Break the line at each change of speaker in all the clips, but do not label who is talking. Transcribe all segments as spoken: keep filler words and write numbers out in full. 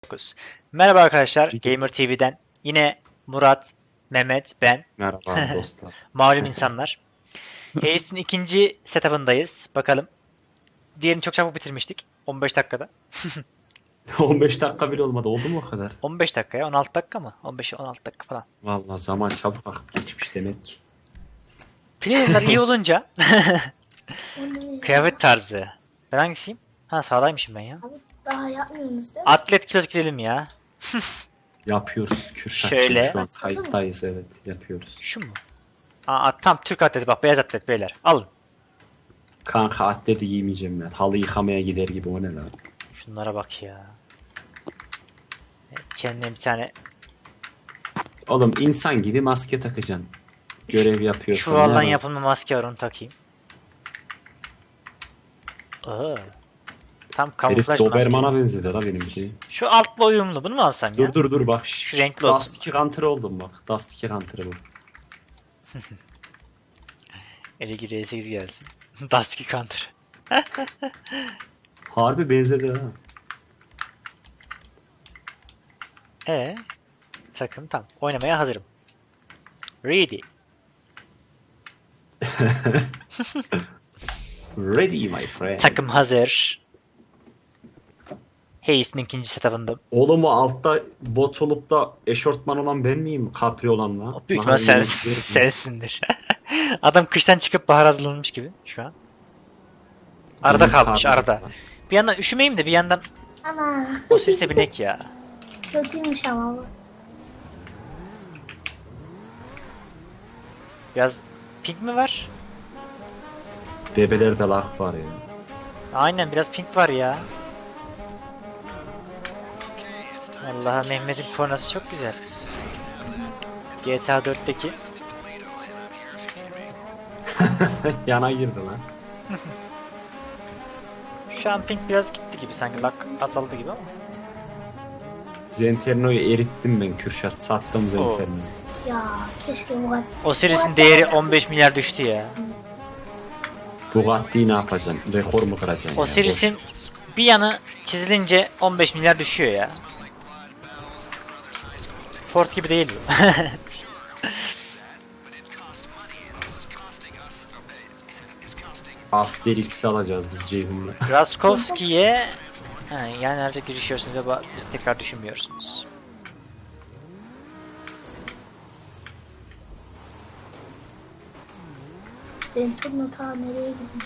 dokuz. Merhaba arkadaşlar, Gamer T V'den yine Murat, Mehmet, ben,
Merhaba dostlar.
malum insanlar. Ace'in ikinci setup'ındayız. Bakalım. Diğerini çok çabuk bitirmiştik. on beş dakikada.
on beş dakika bile olmadı. Oldu mu o kadar?
on beş dakikaya on altı dakika mı? on beş on altı dakika falan.
Vallahi zaman çabuk akıp geçmiş demek ki.
Player'lar iyi olunca kıyafet tarzı. Ben hangisiyim? Ha sağdaymışım ben ya.
Abi daha yapmıyorsunuz değil mi?
Atlet kilo gidelim ya.
Yapıyoruz Kürşatçım.
Şöyle.
Şu an kayıttayız, evet yapıyoruz.
Şu mu? Aa tam Türk atleti bak, beyaz atlet beyler. Alın.
Kanka atleti giymeyeceğim ben. Halı yıkamaya gider gibi, o ne lan?
Şunlara bak ya. Evet, kendine bir tane
Oğlum insan gibi maske takacaksın. Görev yapıyorsan.
çuvaldan
ne var?
yapılma maske var, onu takayım. Aa. Tam
Herif
kamuflaj mı lan?
Doberman'a benzedi la benimki.
Şu altla uyumlu, bunu mu alsam
Dur
ya?
dur dur bak.
Şu renkli olsun.
Dust iki Hunter oldum bak. Dust iki Hunter bu.
Elegi R sekiz gelsin. Dusky Counter.
Harbi benzedi ha.
Ee, takım tam. Oynamaya hazırım. Ready.
Ready my friend.
Takım hazır. Hayes'in ikinci setup'ında.
Oğlum o altta bot olup da eşortman olan ben miyim? Capri olanla.
Büyük
Aha,
ihtimal sen,
iyi.
sensindir. Adam kıştan çıkıp bahar hazırlanmış gibi şu an. Arada
Benim
kalmış,
Capri
arada.
olan.
Bir yandan üşümeyeyim de bir yandan
Ana
o sesle binek ya.
kötüymüş ama bu.
Biraz pink mi var?
Bebelerde lak var ya.
Aynen, biraz pink var ya. Allah'a, Mehmet'in kornası çok güzel. G T A dörtteki.
Yana girdi lan.
Şu an pink biraz gitti gibi sanki, bak azaldı gibi ama.
Zenterno'yu erittim ben Kürşat. Sattım Zenterno'yu.
Ya keşke bu kadar.
O serisinin değeri on beş milyar düştü ya.
Bugatti'yi ne yapacaksın? Rekor mu kıracaksın
O
ya?
serisin
Boş.
bir yanı çizilince on beş milyar düşüyor ya. Ford gibi değil bu.
Asterix'i alacağız biz Ceyhun'la.
Raskowski'ye ha, yani nerede girişiyorsunuz ama biz tekrar düşünmüyorsunuz.
Senin turna ta nereye gitmiş?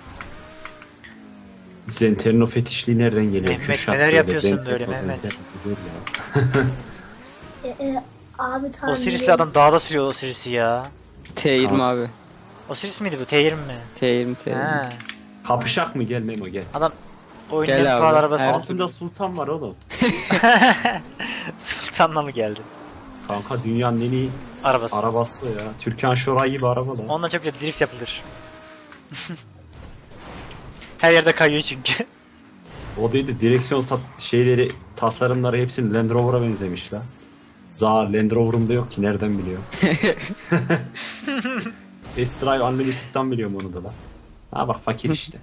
Zenterno fetişliği nereden geliyor
Mehmet,
Kürşat?
neler
böyle?
yapıyorsun
Zenterno,
böyle Mehmet?
Zenterno diyor ya.
E, e, abi ta
O
nereye
serisi adam dağda sürüyor, o serisi ya.
T yirmi
Tamam.
abi.
O serisi miydi bu? T yirmi mi?
T yirmi T yirmi.
Ha.
Kapışak mı? Gel Memo gel.
Adam oyunun
Gel
en
abi.
pahalı arabası.
Her-
Altında Sultan var oğlum.
Sultan'la mı geldi?
Kanka dünyanın en iyi
Arabası.
arabası ya. Türkan Şoray gibi araba lan.
Onunla çok güzel drift yapılır. Her yerde kayıyor çünkü.
O değil de direksiyon sat şeyleri, tasarımları hepsinin Land Rover'a benzemiş la. Za Land Rover'ım da yok ki, nereden biliyor? Test Drive Unlimited'dan biliyorum onu da la. Ha bak fakir işte.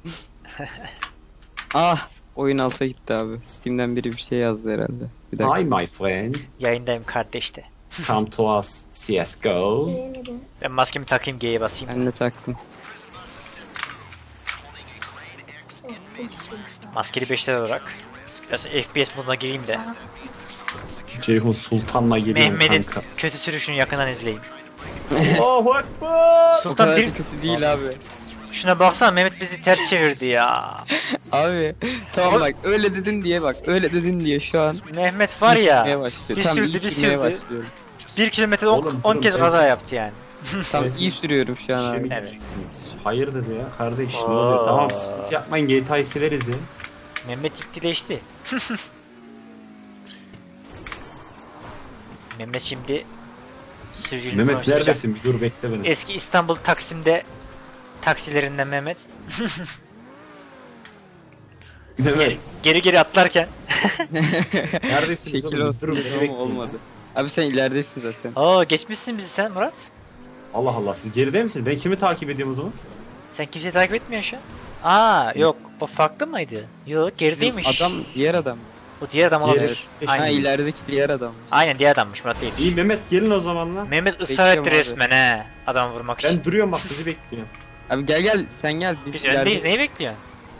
Ah! Oyun alta gitti abi. Steam'den biri bir şey yazdı herhalde. Bir dakika.
Hi my friend.
Yayındayım kardeş de.
Come to us C S G O.
Beğenmedim.
Ben maskemi takayım, G'ye basayım.
Ben de taktım.
Oh, oh,
Maskeli beşler olarak. Biraz F P S moduna gireyim de.
Ceyhun Sultan'la geliyorum
Mehmet'in
kanka.
kötü sürüşünü yakından izleyin.
Allahu Ekber.
O
Sultan
kadar
bir...
da kötü değil abi.
Şuna baksana, Mehmet bizi ters çevirdi ya.
Abi tamam bak öyle dedin diye bak öyle dedin diye şu an
Mehmet var
iyi
ya.
sürmeye başlıyor.
bir
Tam
sürdü,
iyi
bir
sürmeye
sürdü.
başlıyorum.
Bir kilometrede
Oğlum,
on
durun,
kez
ben
kaza
siz-
yaptı yani.
Tam
Ben
iyi
siz-
sürüyorum şu an
Şey mi
abi.
Evet.
diyeceksiniz? Hayır dedi ya kardeş, ne
Oo.
oluyor? Tamam split yapmayın, G T A'yı severiz ya.
Mehmet ciddileşti. Mehmet şimdi sürücülük
Mehmet
konuşacak.
neredesin? Bir dur bekle beni.
Eski İstanbul Taksim'de taksilerinden Mehmet.
Mehmet
Geri geri, geri atlarken.
neredesiniz
Şekil
oğlum?
olsun
Durun,
dedim
bekleyin.
ama olmadı. Abi sen ileridesin zaten.
Oo, geçmişsin bizi sen Murat.
Allah Allah, siz geride misiniz? Ben kimi takip ediyorum o zaman?
Sen kimseyi takip etmiyorsun şu an. Aa yok, o farklı mıydı? Yok, gerideymiş.
Adam diğer adam.
Bu diğer adam
Diğeri-
olabilir.
Ha
Aynen.
ilerideki diğer adam.
Aynen diğer adammış, Murat değil.
İyi Mehmet gelin o zaman lan.
Mehmet ısrar
Bekliyorum
etti
abi.
resmen he. Adam vurmak için.
Ben duruyorum bak sizi bekliyorum.
Abi gel gel sen gel. Biz,
Biz
ileride-
öndeyiz, neyi bekliyorsun?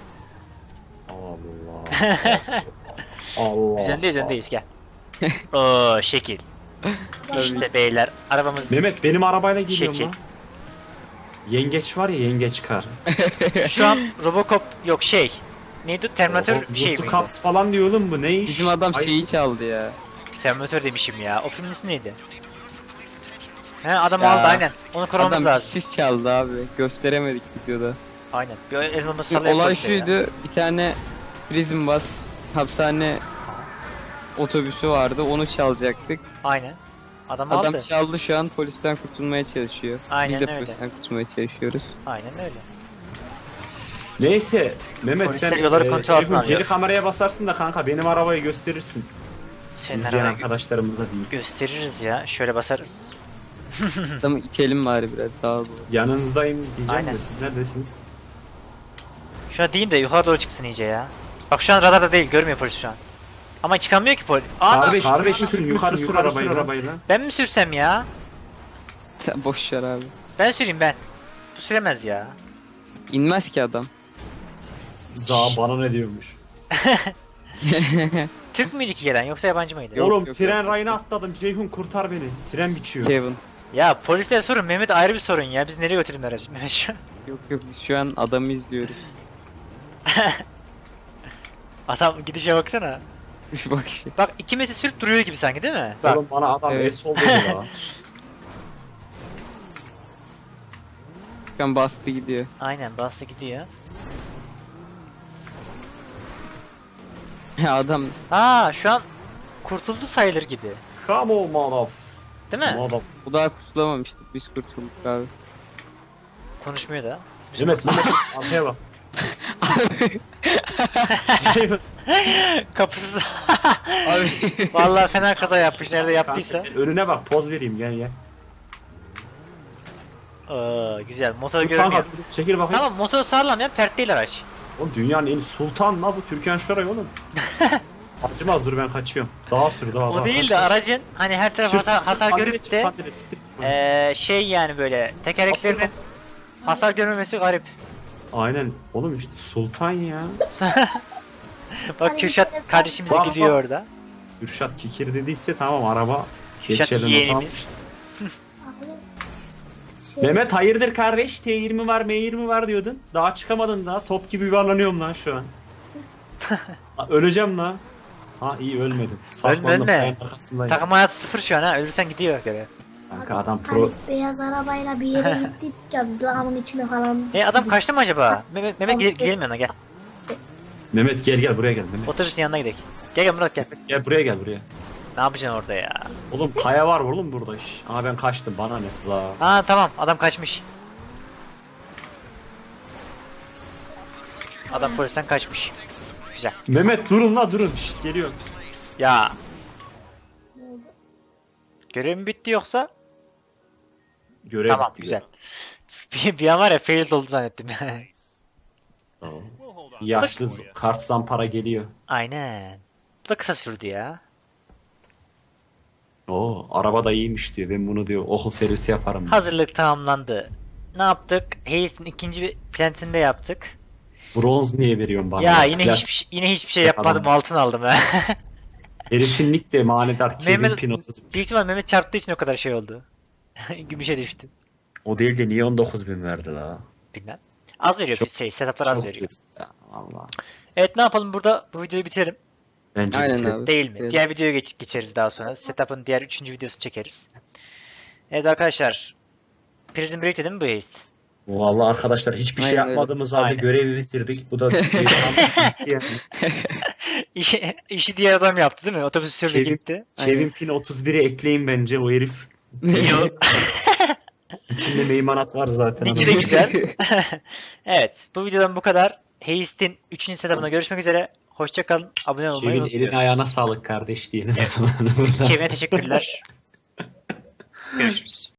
Allah. Allah.
Biz öndeyiz, öndeyiz gel. Oo şekil.
Tabii.
İşte beyler arabamız
Mehmet benim arabayla geliyorum
Şekil.
lan. Yengeç var ya yengeç kar.
şu an Robocop yok şey. Neydi? Terminator
O,
bir şey
Buzlu
miydi?
Caps falan diyor oğlum bu ne iş?
Bizim adam
Ay,
şeyi çaldı ya.
Terminator demişim ya. O filmin ismi neydi? He adam
Ya.
aldı aynen. Onu korumamız
Adam
lazım.
sis çaldı abi. Gösteremedik videoda.
Aynen. Bir el bombası
Şimdi
sallayıp
olay
koydu ya.
şuydu. Bir tane prison bus hapishane otobüsü vardı. Onu çalacaktık.
Aynen. Adam,
Adam
aldı.
çaldı, şu an polisten kurtulmaya çalışıyor.
Aynen
Biz de
öyle.
polisten kurtulmaya çalışıyoruz.
Aynen öyle.
Neyse Mehmet
Polisler
sen
yolları
e,
kontrol altına
Ceyhun,
alıyor.
geri kameraya basarsın da kanka benim arabayı gösterirsin.
Senin
İzleyen
arabayı
arkadaşlarımıza değil.
gösteririz ya. Şöyle basarız.
Adamı itelim bari biraz daha doğru.
Yanınızdayım diyeceğim
Aynen.
de siz neredesiniz?
Şuna deyin de yukarı doğru çıksın iyice ya. Bak şu an radarda değil, görmüyor polis şu an. Ama çıkamıyor ki polis. Aa,
Kardeş,
bak-
kardeşim sür yukarı sür arabayı, arabayı lan.
ben mi sürsem ya?
Sen boş ver abi.
Ben süreyim ben. Bu süremez ya.
İnmez ki adam.
Za bana ne diyormuş?
Türk müydü ki gelen yoksa yabancı mıydı?
Yok,
Oğlum
yok,
tren
yok.
rayına atladım. Ceyhun kurtar beni. Tren biçiyor.
Kevin.
Ya polisler sorun, Mehmet ayrı bir sorun ya. Biz nereye götürelim aracı Mehmet şu an?
Yok yok biz şu an adamı izliyoruz.
Adam gidişe baksana.
Şu bakışı.
Bak iki metre sürüp duruyor gibi sanki değil mi? Bak.
Oğlum bana adam
Evet.
es oldu la.
Şu an bastı gidiyor.
Aynen bastı gidiyor.
Ya adam
Aa şu an kurtuldu sayılır gibi.
Come on motherf.
Değil mi?
Motherf.
bu daha kurtulamamıştık. Biz kurtulduk abi.
Konuşmuyor da.
Mehmet Mehmet arkaya bak. Ceyhun.
Kapısız.
Abi.
Vallahi fena kaza yapmış. Nerede yaptıysa.
Kanka, önüne bak poz vereyim gel gel.
Aa, güzel. Motor
Dur
görünüyor.
kanka dur, çekil bakayım.
Tamam motor sağlam ya. Pert değil araç.
Oğlum dünyanın en sultan la bu Türkan Şoray oğlum. Acımaz dur ben kaçıyorum. Daha sür daha
O
daha.
değil
kaç,
de
kaç.
aracın hani her taraf
Çık,
hata,
çık, çık,
hata
pandire
görüp
çık,
de
pandire, siktir.
eee, şey yani böyle tekerleklerinin hasar görmemesi garip.
Aynen oğlum işte sultan ya.
Bak Kürşat kardeşimiz
Bak,
gidiyor
bak.
orada.
Kürşat kikir dediyse tamam araba
Kürşat
geçelim
yeğenimiz.
otomatik.
Abi, şey,
Mehmet hayırdır kardeş T yirmi var M yirmi var diyordun. Daha çıkamadın daha top gibi yuvarlanıyorum lan şu an. Ha, öleceğim lan. Ha iyi ölmedim. Saklandım
ölme.
kayanın arkasındayım.
Takım hayatı sıfır şu an ha. Ölürsen gidiyor göre.
Kanka adam
hani
pro.
beyaz arabayla bir yere gittik ya biz lağımın içine falan.
E adam
gittik.
kaçtı mı acaba? Mehmet, Mehmet gel- gidelim yanına gel.
Mehmet gel gel buraya gel Mehmet.
Otobüsün yanına gidelim. Gel gel Murat gel.
Gel buraya gel buraya.
Ne yapacaksın orada ya?
Oğlum kaya var oğlum burada. Şş. Aa ben kaçtım bana ne za.
Ha tamam adam kaçmış. Adam polisten kaçmış. Güzel.
Mehmet durun la durun. Şş, geliyorum.
Ya. Görevim bitti yoksa?
Görev
Tamam
bitti,
güzel. Bir, bir an var ya failed oldu zannettim.
Tamam. Yaşlı z- kart zampara geliyor.
Aynen. Bu da kısa sürdü ya.
Oo araba da iyiymiş diyor. Ben bunu diyor okul servisi yaparım. diyor.
Hazırlık tamamlandı. Ne yaptık? Hayes'in ikinci plantinde yaptık.
Bronz niye veriyorsun bana?
Ya yine
Plat-
hiçbir şey- yine hiçbir şey
Yapalım.
yapmadım. Altın aldım ha.
Herifin nick de manidar Kevin
Mehmet
Pinot.
büyük ihtimal Mehmet çarptığı için o kadar şey oldu. Gümüşe düştü.
O değil de niye on dokuz bin verdi la?
Bilmem. Az veriyor
Çok-
şey, setuplar az
Çok
veriyor.
kötü. Ya, Allah.
Evet ne yapalım burada bu videoyu bitirelim.
Bence
Aynen
bitirelim.
abi.
Değil mi?
Evet.
Diğer videoya geç geçeriz daha sonra. Setup'ın diğer üçüncü videosunu çekeriz. Evet arkadaşlar. Prison Break'te değil mi bu heist?
Vallahi arkadaşlar hiçbir şey
Aynen öyle.
yapmadığımız halde
Aynen.
görevi bitirdik. Bu da yani.
İşi, işi diğer adam yaptı değil mi? Otobüs sürdü
Kevin-
gitti.
Kevin Pin otuz biri ekleyin bence o herif. İçinde meymanat var zaten.
İki de
adamın.
güzel. Evet bu videodan bu kadar. Heist'in üçüncü setup'ına görüşmek üzere. Hoşça kalın. Abone olmayı
Kevin
unutmayın.
eline ayağına sağlık kardeş diyelim o zaman burada.
Kevin'e teşekkürler. Görüşürüz.